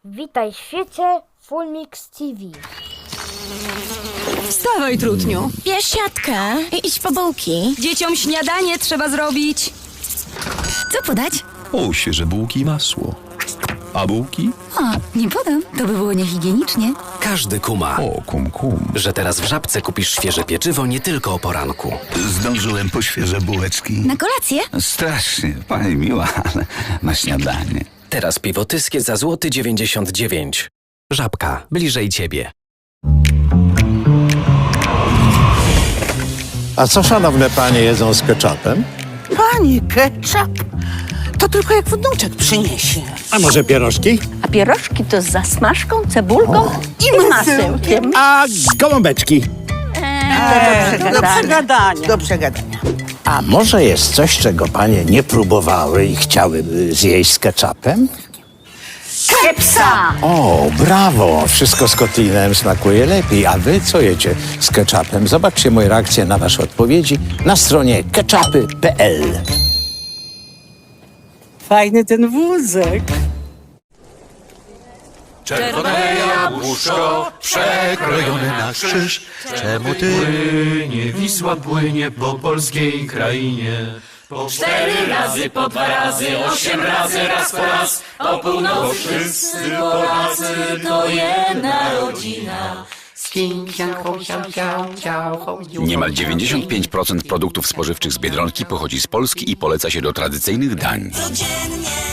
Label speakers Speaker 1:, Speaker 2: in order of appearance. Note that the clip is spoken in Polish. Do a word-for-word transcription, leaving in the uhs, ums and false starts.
Speaker 1: Witaj w świecie Fullmix T V.
Speaker 2: Wstawaj, trutniu.
Speaker 3: Bierz siatkę i idź po bułki.
Speaker 2: Dzieciom śniadanie trzeba zrobić.
Speaker 3: Co podać?
Speaker 4: O, świeże bułki i masło. A bułki?
Speaker 3: O, nie podam. To by było niehigienicznie.
Speaker 5: Każdy kuma,
Speaker 4: O, kum kum.
Speaker 5: że teraz w Żabce kupisz świeże pieczywo nie tylko o poranku.
Speaker 6: Zdążyłem po świeże bułeczki.
Speaker 3: Na kolację?
Speaker 6: Strasznie, pani miła, ale na śniadanie.
Speaker 5: Teraz piwo tyskie za złoty dziewięćdziesiąt dziewięć. Żabka, bliżej ciebie.
Speaker 7: A co szanowne panie jedzą z ketchupem?
Speaker 8: Pani, ketchup? To tylko jak wnuczek przyniesie.
Speaker 7: A może pierożki?
Speaker 9: A pierożki to z zasmażką, cebulką i masełkiem.
Speaker 7: A gołąbeczki?
Speaker 9: Eee, do
Speaker 8: Do
Speaker 9: przegadania.
Speaker 8: przegadania. Do przegadania.
Speaker 7: A może jest coś, czego panie nie próbowały i chciałyby zjeść z ketchupem?
Speaker 9: Kepsa!
Speaker 7: O, brawo! Wszystko z kotlinem smakuje lepiej. A wy co jecie z ketchupem? Zobaczcie moje reakcje na wasze odpowiedzi na stronie ketchupy kropka p l.
Speaker 8: Fajny ten wózek.
Speaker 10: Czerwone jabłuszko przekrojone na krzyż. Czemu ty płynie, Wisła płynie po polskiej krainie? Po cztery razy, po dwa razy, osiem razy, raz po raz. O północ wszyscy Polacy, to jedna rodzina.
Speaker 6: Niemal dziewięćdziesiąt pięć procent produktów spożywczych z Biedronki pochodzi z Polski i poleca się do tradycyjnych dań.
Speaker 3: Codziennie